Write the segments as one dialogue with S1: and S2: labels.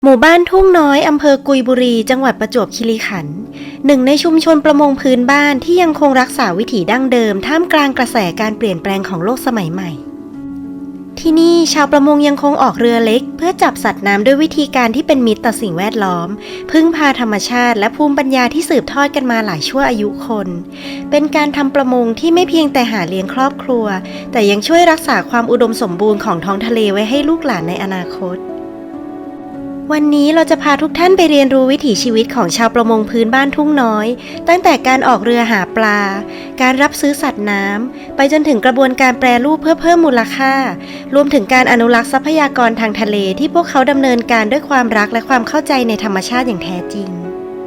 S1: หมู่บ้านทุ่งน้อยอำเภอกุยบุรีจังหวัดประจวบคีรีขันธ์หนึ่งในชุมชนประมงพื้นบ้านที่ยังคงรักษาวิถีดั้งเดิมท่ามกลางกระแสการเปลี่ยนแปลงของโลกสมัยใหม่ที่นี่ชาวประมงยังคงออกเรือเล็กเพื่อจับสัตว์น้ำด้วยวิธีการที่เป็นมิตรต่อสิ่งแวดล้อมพึ่งพาธรรมชาติและภูมิปัญญาที่สืบทอดกันมาหลายชั่วอายุคนเป็นการทำประมงที่ไม่เพียงแต่หาเลี้ยงครอบครัวแต่ยังช่วยรักษาความอุดมสมบูรณ์ของท้องทะเลไว้ให้ลูกหลานในอนาคตวันนี้เราจะพาทุกท่านไปเรียนรู้วิถีชีวิตของชาวประมงพื้นบ้านทุ่งน้อยตั้งแต่การออกเรือหาปลาการรับซื้อสัตว์น้ำไปจนถึงกระบวนการแปรรูปเพื่อเพิ่มมูลค่ารวมถึงการอนุรักษ์ทรัพยากรทางทะเลที่พวกเขาดำเนินการด้วยความรักและความเข้าใจในธรรมชาติอย่างแท้จริง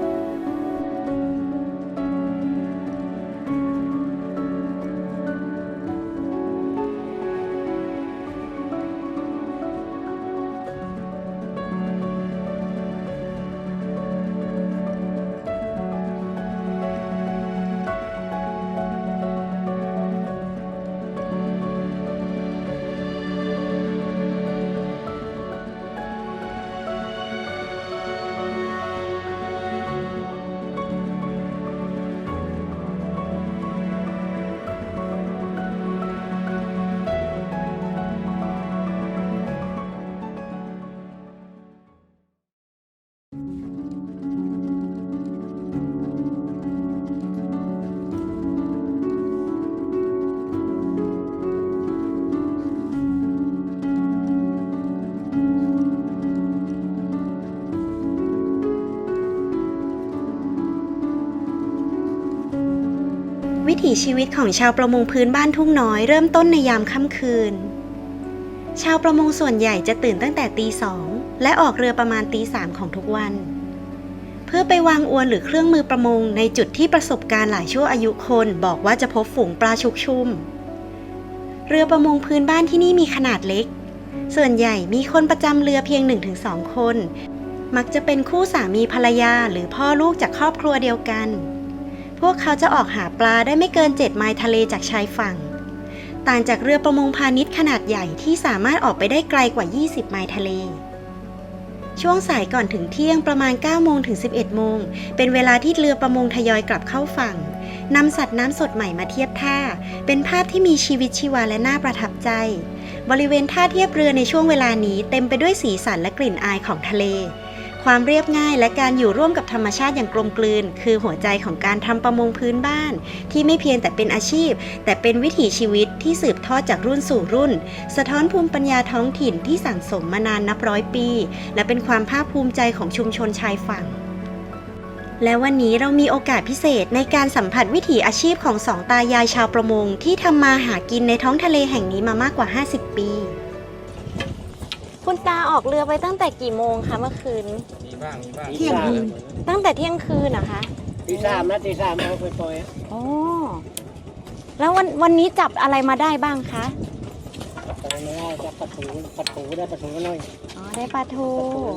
S1: วิถีชีวิตของชาวประมงพื้นบ้านทุ่งน้อยเริ่มต้นในยามค่ำคืนชาวประมงส่วนใหญ่จะตื่นตั้งแต่ตี 2และออกเรือประมาณตี 3ของทุกวันเพื่อไปวางอวนหรือเครื่องมือประมงในจุดที่ประสบการณ์หลายชั่วอายุคนบอกว่าจะพบฝูงปลาชุกชุมเรือประมงพื้นบ้านที่นี่มีขนาดเล็กส่วนใหญ่มีคนประจำเรือเพียง 1-2 คนมักจะเป็นคู่สามีภรรยาหรือพ่อลูกจากครอบครัวเดียวกันพวกเขาจะออกหาปลาได้ไม่เกิน7 ไมล์ทะเลจากชายฝั่งต่างจากเรือประมงพาณิชย์ขนาดใหญ่ที่สามารถออกไปได้ไกลกว่า20 ไมล์ทะเลช่วงสายก่อนถึงเที่ยงประมาณ 9 โมงถึง 11 โมงเป็นเวลาที่เรือประมงทยอยกลับเข้าฝั่งนำสัตว์น้ำสดใหม่มาเทียบท่าเป็นภาพที่มีชีวิตชีวาและน่าประทับใจบริเวณท่าเทียบเรือในช่วงเวลานี้เต็มไปด้วยสีสันและกลิ่นอายของทะเลความเรียบง่ายและการอยู่ร่วมกับธรรมชาติอย่างกลมกลืนคือหัวใจของการทำประมงพื้นบ้านที่ไม่เพียงแต่เป็นอาชีพแต่เป็นวิถีชีวิตที่สืบทอดจากรุ่นสู่รุ่นสะท้อนภูมิปัญญาท้องถิ่นที่สั่งสมมานานนับร้อยปีและเป็นความภาคภูมิใจของชุมชนชายฝั่งและวันนี้เรามีโอกาสพิเศษในการสัมผัสวิถีอาชีพของสองตายายชาวประมงที่ทำมาหากินในท้องทะเลแห่งนี้มามากกว่า50 ปีคุณตาออกเรือไปตั้งแต่กี่โมงคะเมื่อคืน
S2: มีบ้าง
S3: เที่ยงคืน
S1: ตั้งแต่เที่ยงคืนนะคะ
S3: ตี 3นะตี 3เอาไปปล่อย
S1: โอ้แล้ววันนี้จับอะไรมาได้บ้างคะ
S3: จับอะไรไม่ได้จับปลาทูได้ปลาทูน้อย
S1: อ๋อได้ปลาทู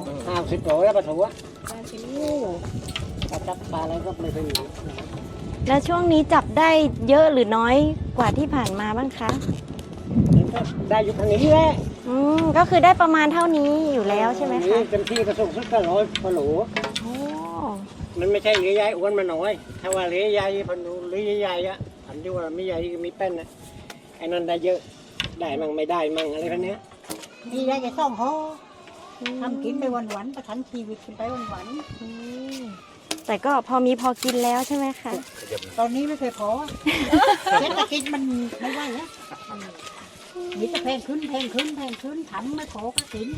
S3: 50 โลได้ปลาทูถ้าจับปลาอะไรก็ไม่เคยมี
S1: แล้วช่วงนี้จับได้เยอะหรือน้อยกว่าที่ผ่านมาบ้างคะ
S3: ได้อยู่ทางนี้แหละ
S1: ก็คือได้ประมาณเท่านี้อยู่แล้วใช่ไหมคะ
S3: เต็มที่กระสุนสุดก็100 กว่าโหลมันไม่ใช่เลี้ยใหญ่อ้วนมาน้อยถ้าว่าเลี้ยใหญ่พันดูเลี้ยใหญ่อะอันที่ว่าไม่ใหญ่มีแป้นนะไอ้นั่นได้เยอะได้มั่งไม่ได้มั่งอะไรพันนี้
S4: นี่ได้จะต้องห่อทำกินไปวันๆประทังชีวิตกินไปวัน
S1: ๆแต่ก็พอมีพอกินแล้วใช่ไหมคะ
S4: ตอนนี้ไม่เคยพอเศรษฐกิจมันไม่ไหวแล้วมีแต่แพงขึ้นทำไม่พอก็กิน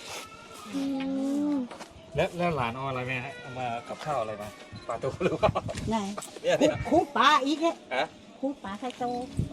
S2: แล้วหลานเอาอะไรมาเอามากับข้าวอะไรมาปลาตัวหรือเปล่า
S4: ไหนคู่ปลาอีกเนี่ยคู่ปลาไข่โต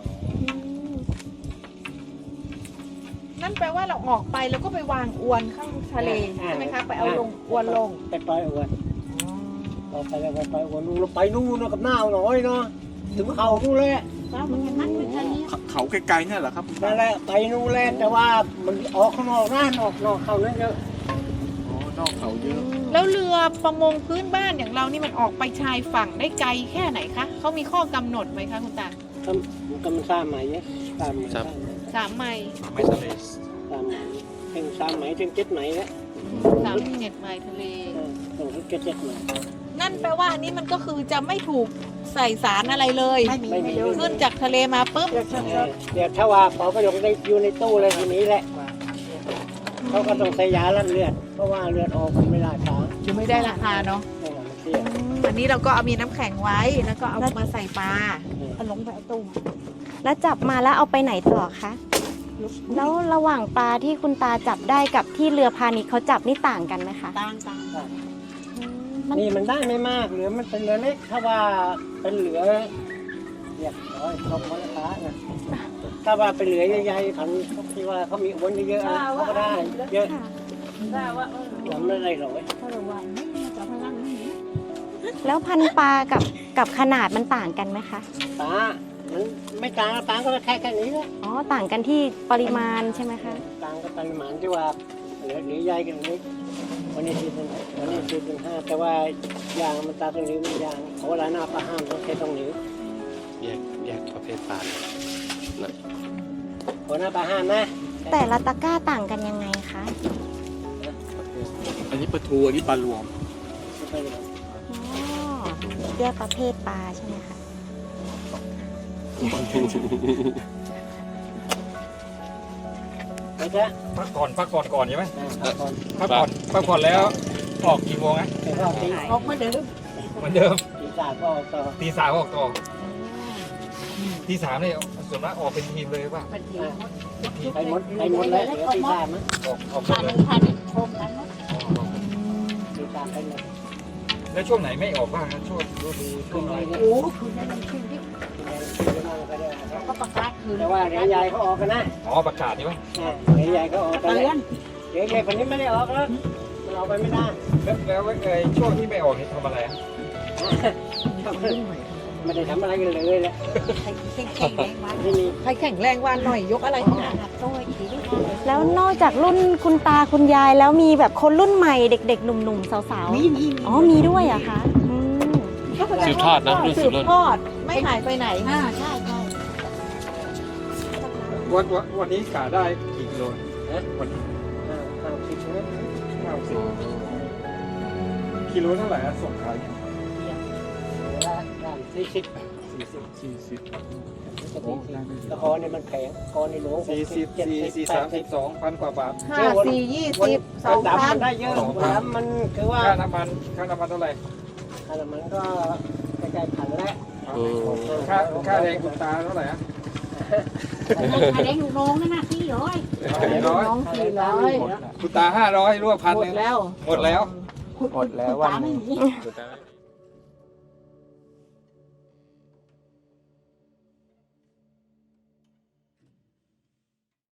S5: นั่นแปลว่าเราออกไปแล้วก็ไปวางอวนข้างทะเลใช่ไหมคะไปเอาลงอวนลง
S3: ไปปล่อยอวนเราไปแล้วไปอวนเราไปนู่นกับหน้าหน่อยเนาะถึงเขานู่นเลย
S2: เขาไกลๆเนี่ยเหรอครับ
S3: นั่นแหละไปนู่นแหละแต่ว่ามันออกข้างนอกนอกเขานั่นเยอะ
S2: นอกเขาเยอะ
S5: แล้วเรือประมงพื้นบ้านอย่างเรานี่มันออกไปชายฝั่งได้ไกลแค่ไหนคะเขามีข้อกำหนดไหมคะคุณตา
S3: มัน3 ไมล์เนี่ย
S5: 3 ไมล์
S2: ไม่ทะเล
S3: 3 ไมล์ถึง7 ไมล์แล้ว
S5: 3เม็ดไมล์ทะเล
S3: ส่งที่กระเจ็ดหน่อย
S5: นั่นแปลว่าอันนี้มันก็คือจะไม่ถูกใส่สารอะไรเลย
S4: ไม่มี
S3: ไม่มี
S5: ขึ้นจากทะเลมาปุ๊บ
S3: เดี๋ยวถ้าว่าเป๋าประโยคได้อยู่ในตู้เลยทีนี้แหละเขาก็ต้องใส่ยาลั่นเลือดเพราะว่าเลือดออกมันไม่ได้ช้า
S5: จะไม่ได้ราคาเนาะ
S3: มันเสีย
S5: อันนี้เราก็เอามีน้ำแข็งไว้แล้วก็เอามาใส่ปลา
S4: เอาลงไปเอาตู้มา
S1: แล้วจับมาแล้วเอาไปไหนต่อคะ แล้วระหว่างปลาที่คุณตาจับได้กับที่เรือพาณิชย์เขาจับนี่ต่างกันไหมคะ
S4: ต่างต่าง
S3: นี่มันได้ไม่มากเหลือมันเป็นเหลือเล็กถ้าว่าเป็นเหลือเรียบร้อยครบมูลค่านะถ้าว่าเป็นเหลือใหญ่ๆผันที่ว่าเขามีอ้วนเยอะๆนะเขาก็ได้เยอะผมไม่ได้หรอก
S4: เพราะว่าไม่มีจะพลังนี่
S1: แล้วพันปลากับขนาดมันต่างกันไหมคะ
S3: ตามันไม่ต่างต่างก็แค่นี้แหละ
S1: อ๋อ ต่างกันที่ปริมาณใช่ไหมคะ
S3: ต่างกับปริมาณที่ว่าเหลือใหญ่กันนี้วันนี้4.5แต่ว่ายางมันตาตรงนี้มันยางเขาเวลาหน้าปลาห้ามต้องใช้ตรงนี้
S6: แยกประเภทปลาเลยนะ
S3: หัวหน้าปลาห้ามนะ
S1: แต่ละตะกร้าต่างกันยังไงคะ
S6: อันนี้ปลาทูอันนี้ปลารวม
S1: อ๋อ แยกประเภทปลาใช่ไหมคะ
S3: ไปเถอะ
S2: พักก่อนใช่ไหม
S3: ก่อน
S2: พักผ่อนแล้วออกกี่โมงนะ
S3: แต่ก็ตี
S4: ออกมาเดิม
S2: เหมือนเดิม
S3: ตีสามก็ออกต่อ
S2: ตีสามออกต่อตีสามเนี่ยส่วนมากออกเป็นทีมเลยป่ะ
S4: เป็นที
S3: ไปหมดแล้วเหลือตีสามนะ
S2: ออก
S4: ผ่าน
S2: เลย
S4: ผ่านชมกันเนาะ
S3: ตีสามไปหมด
S2: แล้วช่วงไหนไม่ออกบ้างครับช่วงฤดูช่วงอะไร
S4: โอ้คืนนั้นมันคืนที่ก็ประกาศคืน
S3: แต่ว่าเหลือใหญ่เขาออกกันนะ
S2: อ๋อประกาศใช่ไหม
S3: เหลือใหญ่เขาออกกัน
S4: เตือน
S3: เหลือใหญ่คนนี้ไม่ได้ออกแล้วมันออกไปไม่ได้
S2: แล้วช่วงที่ไม่ออกนี่ทำอะไรอ่ะ
S3: ไม่ได้ทำอะไรกันเลยแหละ
S4: แข็งแข็งแรงวัน
S3: ไม่มี
S5: ใครแข็งแรงวันหน่อยยกอะไร
S4: ข
S5: ขึ้น
S4: นา
S5: มา
S4: ดโต้ยทีนี้
S1: แล้วนอกจากรุ่นคุณตาคุณยายแล้วมีแบบคนรุ่นใหม่เด็กๆ หนุ่มๆ สาว
S4: มี
S1: ๆ อ๋อ มีด้วยเหรอะคะอืม
S6: สืบทอดนะรุ่น
S5: สื
S6: สืบบ รุ่น
S5: ทอดไม่หายไปไหน
S4: ใช่ใช่
S2: วันนี้กะได้กี่กิโล
S3: 50 เมตร
S2: 50กิโลเท่าไหร่ส่งขาย
S3: ตะคอเนี่ยมันแข็งคอนี่หลวง
S2: 42,000 กว่าบาท
S5: 5 4 20
S3: ดำมัน
S5: 2,000
S3: ได้เยอะดำมันคือว่า
S2: ค่าน้ำมันเท่าไหร่
S3: ค่าน้ำมันก็ใกล้ๆพันแล้ว
S2: ค่าแรงคุณตาเท่าไหร่อ่ะ
S4: ใครได้ลูกน้องนั่นน่ะพี่ร้อย
S2: 400
S5: น้อง400
S2: คุณตา500รวม
S5: หมด
S2: 1,000
S5: แล้ว
S2: หมดแล้ว
S4: หมดแล้ววันนี้